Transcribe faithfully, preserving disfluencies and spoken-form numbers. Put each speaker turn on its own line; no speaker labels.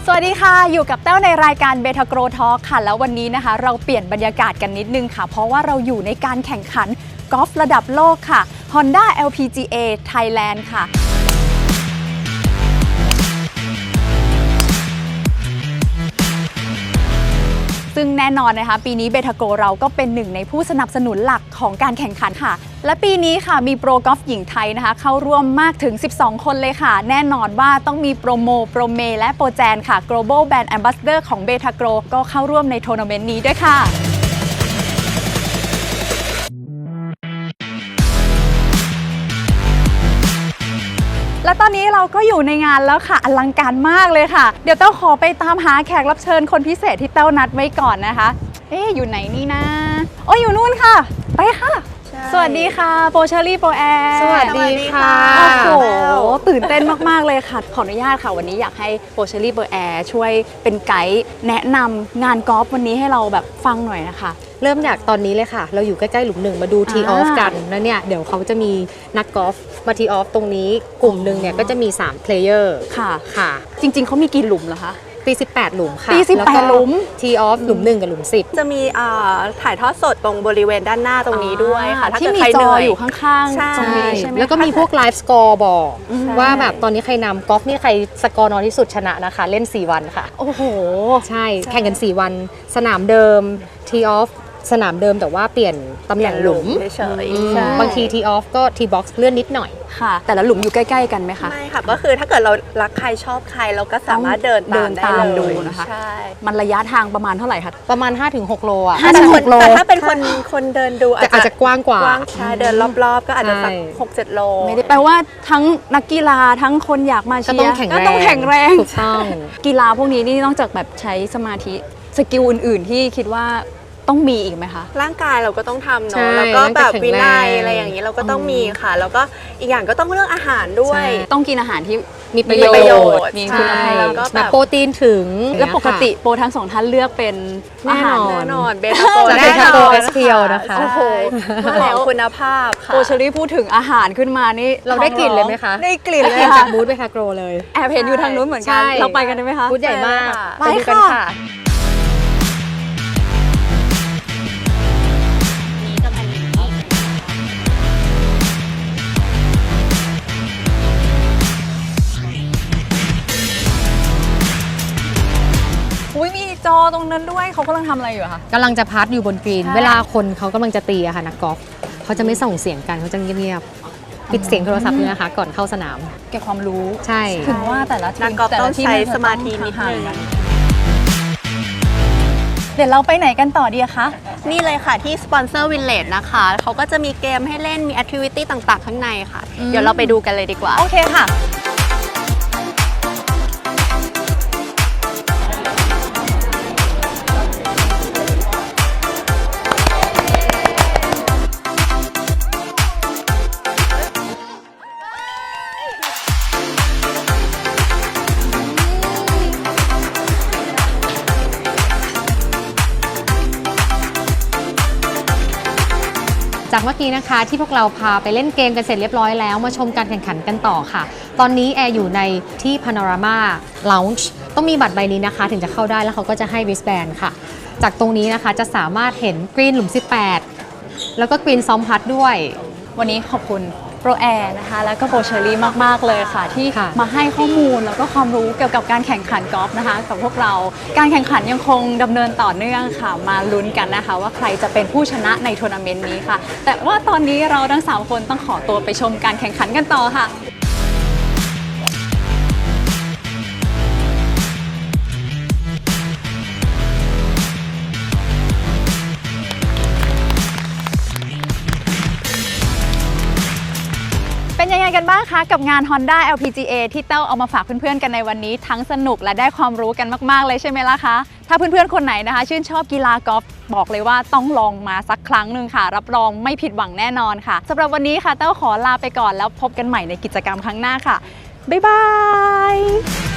สวัสดีค่ะอยู่กับแต้วในรายการเบทาโกรทอล์คค่ะแล้ววันนี้นะคะเราเปลี่ยนบรรยากาศกันนิดนึงค่ะเพราะว่าเราอยู่ในการแข่งขันกอล์ฟระดับโลกค่ะ Honda แอล พี จี เอ Thailand ค่ะซึ่งแน่นอนนะคะปีนี้เบทาโกเราก็เป็นหนึ่งในผู้สนับสนุนหลักของการแข่งขันค่ะและปีนี้ค่ะมีโปรกอล์ฟหญิงไทยนะคะเข้าร่วมมากถึงสิบสองคนเลยค่ะแน่นอนว่าต้องมีโปรโมโปรเมและโปรแจนค่ะ Global Brand Ambassador ของเบทาโกก็เข้าร่วมในทัวร์นาเมนต์นี้ด้วยค่ะและตอนนี้เราก็อยู่ในงานแล้วค่ะอลังการมากเลยค่ะเดี๋ยวเต้าขอไปตามหาแขกรับเชิญคนพิเศษที่เต้านัดไว้ก่อนนะคะเอ๊ะอยู่ไหนนี่นะโอ้ยอยู่นู่นค่ะไปค่ะสวัสดีค่ะโปรเชอรี่โปรแอร์
สวัสดีค่ะ
โอ้โหตื่นเต้นมากๆเลยค่ะขออนุญาตค่ะวันนี้อยากให้โปรเชอรี่โปรแอร์ช่วยเป็นไกด์แนะนำงานกอล์ฟวันนี้ให้เราแบบฟังหน่อยนะคะ
เริ่มจากตอนนี้เลยค่ะเราอยู่ใกล้ๆหลุมหนึ่งมาดูทีออฟกันแล้วเนี่ยเดี๋ยวเขาจะมีนักกอล์ฟมาทีออฟตรงนี้กลุ่มหนึ่งเนี่ยก็จะมีสามเพลเยอร์
ค่ะ
ค่ะ
จริงๆเขามีกี่หลุมเหรอคะ
ตีสิบแปดหลุมค่ะ
ตีสิบแปดหลุม
ทีออฟหลุมหนึ่งกับหลุมสิบ
จะมีถ่ายทอดสดตรงบริเวณด้านหน้าตรงนี้ด้วยค่ะ
ที่มีจออยู่ข้างๆ
ใช่
ใช่ไหม
แล้วก็มีพวกไลฟ์สกอร์บอกว่าแบบตอนนี้ใครนำกอล์ฟนี่ใครสกอร์น้อยที่สุดชนะนะคะเล่นสี่วันค่ะ
โอ้โห
ใช่แข่งกันสี่วันสนามเดิมทีออฟสนามเดิมแต่ว่าเปลี่ยนตำแหน่งหลุม
เฉยๆ
บางทีทีออฟก็ทีบ็อกซ์เลื่อนนิดหน่อย
ค่ะแต่ละหลุมอยู่ใกล้ๆกันไหมคะ
ไม่ค่ะก็คือถ้าเกิดเรารักใครชอบใครเราก็สามารถเดินตามได้เลย
นะคะ
ใช่
มันระยะทางประมาณเท่าไหร่คะ
ประมาณ ห้าถึงหก โลอ่ะ
ห้าถึงหกโล
แต่ถ้าเป็นคนคนเดินดู
อาจจะกว้างกว่า
ใช่เดินรอบๆก็อาจจะสักหกเจ็ดโล
ไม่ได้แปลว่าทั้งนักกีฬาทั้งคนอยากมาเชียร์
ก็ต้องแข็งแรงถูกต้อง
กีฬาพวกนี้นี่นอกจากแบบใช้สมาธิสกิลอื่นๆที่คิดว่าต้องมีอีกไหมคะ
ร่างกายเราก็ต้องทำเนาะแล้วก็แบบวินัยอะไรอย่างนี้เราก็ต้องมีค่ะแล้วก็อีกอย่างก็ต้องเรื่องอาหารด้วย
ต้องกินอาหารที่
มีประโยชน์
มีคุณภาพ
แล้วก็แบบ
โปรตีนถึง
แล้วปกติโปรทั้งสองท่านเลือกเป็น
แน่นอน
แน่นอนเบทาโก
แน่นอนเอสเพียวนะคะ
โอ้โหมาแล้วคุณภาพค่ะ
โปรเชอรี่พูดถึงอาหารขึ้นมานี่
เราได้กลิ่นเลยไหมคะ
ได้กลิ่นเลย
จากบูธเบทาโกเลย
แอบเห็นอยู่ทางนู้นเหมือนกันเราไปกันได้ไหมคะ
บูธใหญ่มาก
ไปดูกันค่ะอุ้ยมีจอตรงนั้นด้วยเขากำลังทำอะไรอยู่คะ
กำลังจะพัดอยู่บนกรีนเวลาคนเขากำลังจะตีอะค่ะนักกอล์ฟเขาจะไม่ส่งเสียงกันเขาจะเงียบๆปิดเสียงโทรศัพท์เลยนะคะก่อนเข้าสนาม
เก็บความรู้
ใช่
ถึงว่าแต่ละทีม
นักกอล์ฟต้องใช้สมาธินิดนึง
เดี๋ยวเราไปไหนกันต่อดีคะ
นี่เลยค่ะที่สปอนเซอร์วิลเลจนะคะเขาก็จะมีเกมให้เล่นมีแอคทิวิตี้ต่างๆข้างในค่ะเดี๋ยวเราไปดูกันเลยดีกว่า
โอเคค่ะ
จากเมื่อกี้นะคะที่พวกเราพาไปเล่นเกมกันเสร็จเรียบร้อยแล้วมาชมการแข่งขันกันต่อค่ะตอนนี้แอร์อยู่ในที่ Panorama Lounge ต้องมีบัตรใบนี้นะคะถึงจะเข้าได้แล้วเขาก็จะให้ wristband ค่ะจากตรงนี้นะคะจะสามารถเห็นกรีนหลุมสิบแปดแล้วก็กรีนซ้อมพัดด้วย
วันนี้ขอบคุณโปรแอร์นะคะแล้วก็โปรเชอรี่มากๆเลยค่ะที่มาให้ข้อมูลแล้วก็ความรู้เกี่ยวกับการแข่งขันกอล์ฟนะคะกับพวกเราการแข่งขันยังคงดำเนินต่อเนื่องค่ะมาลุ้นกันนะคะว่าใครจะเป็นผู้ชนะในทัวร์นาเมนต์นี้ค่ะแต่ว่าตอนนี้เราทั้งสามคนต้องขอตัวไปชมการแข่งขันกันต่อค่ะเป็นยังไงกันบ้างคะกับงาน Honda แอล พี จี เอ ที่เต้าเอามาฝากเพื่อนๆกันในวันนี้ทั้งสนุกและได้ความรู้กันมากๆเลยใช่ไหมล่ะคะถ้าเพื่อนๆคนไหนนะคะชื่นชอบกีฬากอล์ฟบอกเลยว่าต้องลองมาสักครั้งหนึ่งค่ะรับรองไม่ผิดหวังแน่นอนค่ะสำหรับวันนี้ค่ะเต้าขอลาไปก่อนแล้วพบกันใหม่ในกิจกรรมครั้งหน้าค่ะบ๊ายบาย